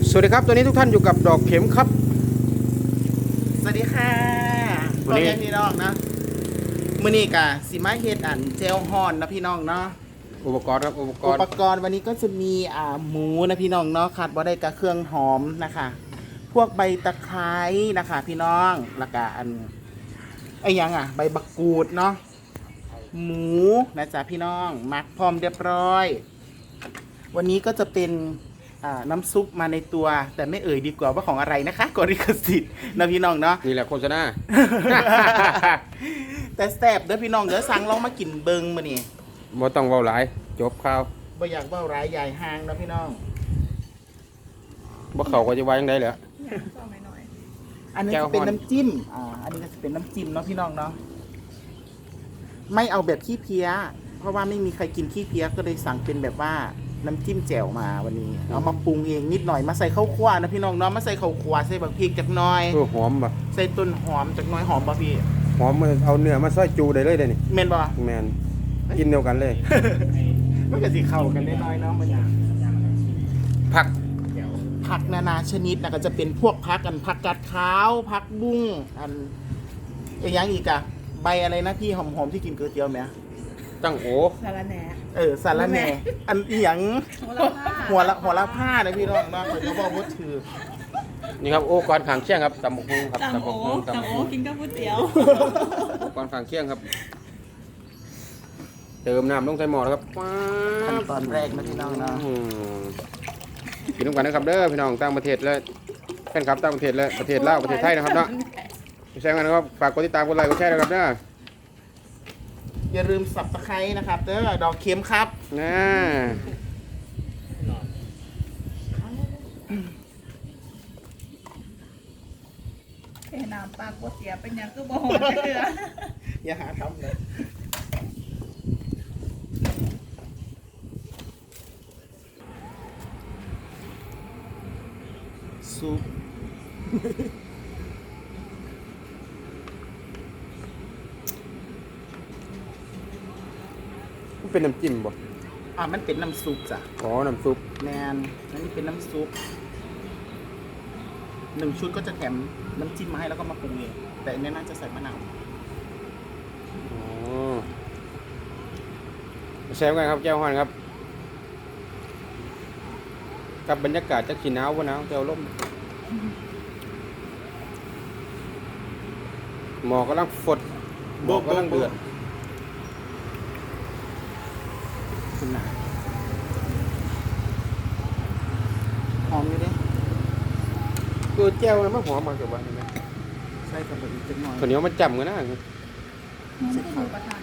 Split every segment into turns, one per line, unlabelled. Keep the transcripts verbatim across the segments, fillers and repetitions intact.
สวัสดีครับตัวนี้ทุกท่านอยู่กับดอกเข็มครับ
สวัสดีค่ะพ่อแม่พี่น้องนะมื้อนี้กะสิมาเฮ็ดอันเจลฮอนนะพี่น้องเนาะ
อุปกรณ์ครับอุปก
อุ
รณ์
ปกรณ์วันนี้ก็จะมีอ่าหมูนะพี่น้องเนาะขาดบ่ได้กับเครื่องหอมนะคะพวกใบตะไคร้นะคะพี่น้องแล้วก็อันไอ้ยังอ่ะใบบักกูดเนาะหมูนะจ๊ะพี่น้องหมักพร้อมเรียบร้อยวันนี้ก็จะเป็นอ่าน้ำซุปมาในตัวแต่ไม่เอ่ยดีกว่าว่าของอะไรนะคะกดลิขสิทธิ์นะพี่น้องเนาะ
นี่แหละโฆษณา
แต่แซ่บเด้อพี่น้องเด้อสั่งลองมากินเบิงมานี่
บ่ต้องเว้าหลายจบข่าว
บ่อยากเว้าร้ายยายห่างนะพี่น้อง
บ่เข้าก็จะว่าจังได๋แหละ
อันนี้
แจ่ว
จะเป็น
ฮ้อน
น้ำจิ้มอ่าอันนี้ก็จะเป็นน้ำจิ้มเนาะพี่น้องเนาะไม่เอาแบบขี้เพี้ยเพราะว่าไม่มีใครกินขี้เพี้ยก็เลยสั่งเป็นแบบว่าน้ำจิ้มแจ่วมาวันนี้เอามาปรุงเองนิดหน่อยมาใส่ข้าวคั่วนะพี่น้องเนาะมาใส่ข้าวคั่วใส่บักพริกจักหน่อย
เออหอมบ่
ใส่ต้นหอมจักหน่อยหอมป่ะพี่
หอมมันเอาเนื้อมาซอยจูได้เลยเด้นี่
เมนบ่
แม่นกินเดียวกันเลย
มันก็สิเข้ากันได้น้อยเนาะมันอย่าง
ผัก
ผักนานาชนิดนะก็จะเป็นพวกผักกันผักกาดขาวผักบุ้งอันไอ้ยังอีกอะใบอะไรนะพี่หอมๆที่กินก๋วยเตี๋ยวไหม
ตั้งโอ
สารแหน่
เออสารแหน่อันอีหยัง
หัวละผ้า
หัวละหัวละผ้านะพี่น้องเนาะเขาจะบอกว่าถือ
นี่ครับโอ้ก่อนข้างเคียงครับตำบักหุ่งครับ
ตัง
ตำ
โอ
บักหุ่ง
ตั
ตำ
ง
บัก
โอ
หุ่ง
กินกับก๋วยเตี๋ยว
ก่อนข้างเคียงครับเติมน้ำลงใส่หม้อแล้วครับ
ขั้นตอนแรกนะพี่น้องเนาะ
อืมกินร่วมกันนะครับเด้อพี่น้องต่างประเทศเลยแฟนคลับต่างประเทศเลยประเทศลาวประเทศไทยนะครับเนาะใช่กันนะครับฝากกดติดตามกดไลค์กดแชร์นะครับเด้อ
อย่าลืมสับตะไคร้นะครับเด้อดอกเข็มครับ
นะ
เทน้ำปลาก๋วยเตี๋ยวเป็นหยังก็บ่หอมเกลือ
อย่าหาทำเลยซุป
มันเป็นน้ำจิ้มบ่
อ่ามันเป็นน้ำซุปจ้ะ
อ๋อน้ำซุป
แมนอันนี้เป็นน้ำซุปหนึ่งชุดก็จะแถมน้ำจิ้มมาให้แล้วก็มาปรุงเองแต่อันนี้น่าจะใส่มะนาว
อ๋อแซมกันครับแก้วฮ้อนครับกับบรรยากาศจะขี้หนาวบ่หนาวแก้วลมหมอกกำลังฝดหมอกกำลังเดือด
คุณนาหอมอยู่เด้
คือแก้วมันหอมมากกว่านี้ไหม
ใส่กับอีกจักหน่อย
ข้าวเหนียวมันจำกันนะ
มันไม่ได้อยู่ประทาน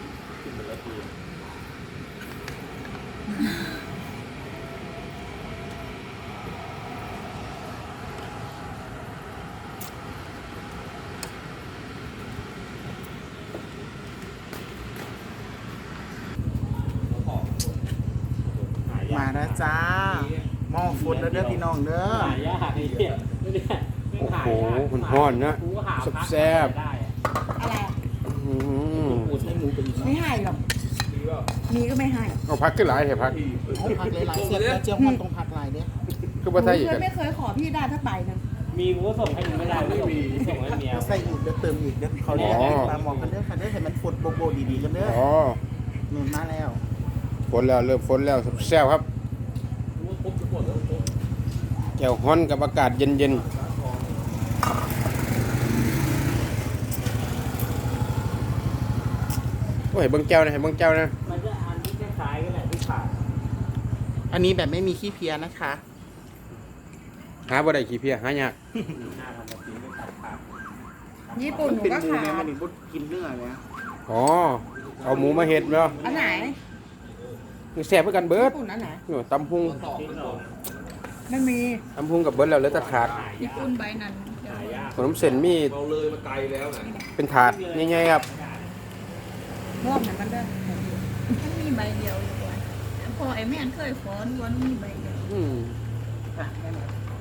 มาแล้วจ้าหม้อฟุดแล้วเด้อพี่น้องเด้อ
หายากไอ้เนี่ยเนี่ย
โอ้โหมันฮ้อนนะแซ่บ
ได้อะ
อะไรอะ
ๆอื้อหือ
ใช้หมูเป็นอีก
ไม่ให้หรอกมีก็ไม่ให้
เอาพักขึ้นหลายเถอะพัก
เอาผักหลายๆเสร็จแล้วเจียวฮอนตรงผักหลายเด้อ
คือบ่ใส่อีก
เค
กั
ย
น
ไม่เคยขอพี่ได้ถ้าไปนะ
มีกูก็ส่งให้มึงไม่ได้ไม่มีส่งให้เมีย
ใส่อีกเด้อเติมอีกเด้อเขาเรียกปลาหมอกกันเด้อค่ะเด้อให้มันฟุดโบโบดีๆกันเด้อ
อ๋อ
นุ่นมาแล้ว
ฝนแล้วเริ่มฝนแล้วแซ่บครับแก้วฮ้อนกับอากาศเย็นๆโอ้ยเบิ่งแก้วนะให้เบิ่งแก้วนะ
มันจะอันที่คล้ายๆกันแหละที่ขาด
อันนี้แบบไม่มีขี้เพี้ยนะคะ
หาบ่ได้ขี้เพี้ยหายาก
หน้าทำแบบนี้ไม่ตัดขาด
ญี่ปุ่นหนู
เป็น
ก็
หมู
ขา
แม่
ด
มันนี่บุดกินเนื้อเนี่ย
อ๋อเอาหมูมาเฮ็ดเนาะ
อันไหน
แซ่บเหมือนกันเบิด
ญี่ปุ่นอันไหน
นี่ตำพุง
ที่เรา
ไม่มี
ตำพุงกับเบิดแล้วเหลือแต่ถาด
ญี่ปุ่นใบนั้น
หายาก
ขนมเส้นมี
เราเลยมาไกลแล้วนะ
เป็นถาดใหญ่ๆครับ
รอบไหนมันได้มันมีใบเดียวอยู่ก่อนพอไอ้แม่นเคยขอวันมีใบเดียว
อืม
อ่ะแม่หน่อย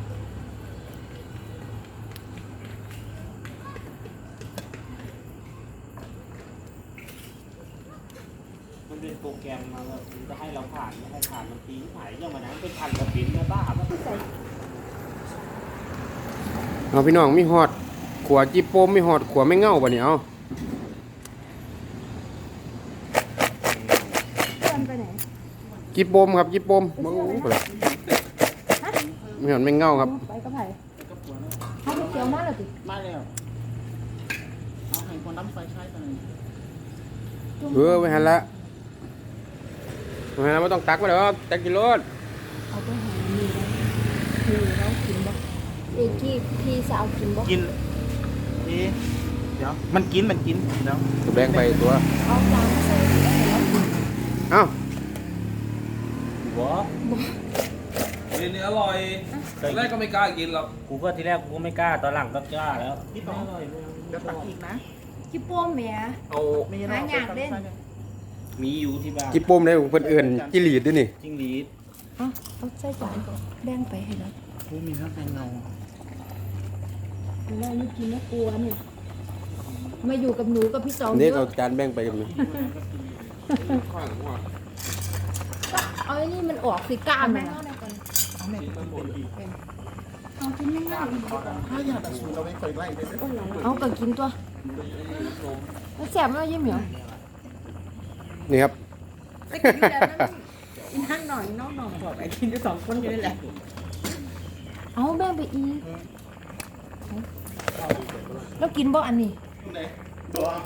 มันเป็นโปรแกรมมาแบบจะให้เราผ่านไม่ให้ผ่านมันปีนหายอย่างวันนั้นเป็นพันกว่าปิ้นนะบ้าปะ
เอาพี่น้องมีฮอดขวจิโปมมีฮอดขวไม่เง่าบ่เนี่ยเอา
เพื่อนไปไหน
จิโปมครับจิโปมบ่บ่ล่ะมีฮอดไม่เง่าครับ
ไปกับไผ่เขาไปเกี่ยวมาแล้วติ
มาแล้วเอาให้คนน้ำไฟใช้กันเลย
เออไว้หันละไว้หันละไม่ต้องตักมาเด้อตักกินรถ
เอาไปหามีแล้วมีแล้วกินบ่เอกที่พี่สาวกินบ่
กินเอ๊ะเดี๋ยวมันกินมันกินเดี๋ยว
แบ่งไปตัว
เอาจานมาใส่แล้วกิน
เอ้า
หัว
เรียนนี้อร่อยตอนแรกก็ไม่กล้ากินหรอก
กูก็ทีแรกกูก็ไม่กล้าตอนหลังก็กล้าแล้ว
พี่ต่อเดี๋ยวตักอีกนะ
จิโป้มแหม่
เอา
ไม่งั้น
หา
เรา
อยากเล่น
มีอยู่ที่บ้าน
จิโปมได้เพิ่นเอิ้นจิหลีดด้วยนี่
จิ้งหรีด
เอาเอาใส่จานแบ่งไปให้แล้ว
โอ้มีน้ำเป็นเงา
แล้วนี่กินแล้วกลัวนี่มาอยู่กับหนูกับพี่สอง
นี่
เย
เอา
อะ
จานแบ่งไปกันนี่
เอาไอ้นี่มันออกสิกล้ามมัน
เอาแม่
เอากินไม่ง่าย
ถ้าอยากแต่สูตรเราไม่เคยไล่เลย
เอาก็กินตัวแล้วแสบมากยิ่งเหมียว
นี่ครับ
ไปกินแล้วนั่งหน่อยน้องหน่อยบอกไปกินอยู่สองคนอยู่นี่แหละเอาแบ่งไปอีกแล้วกินบ่อันนี้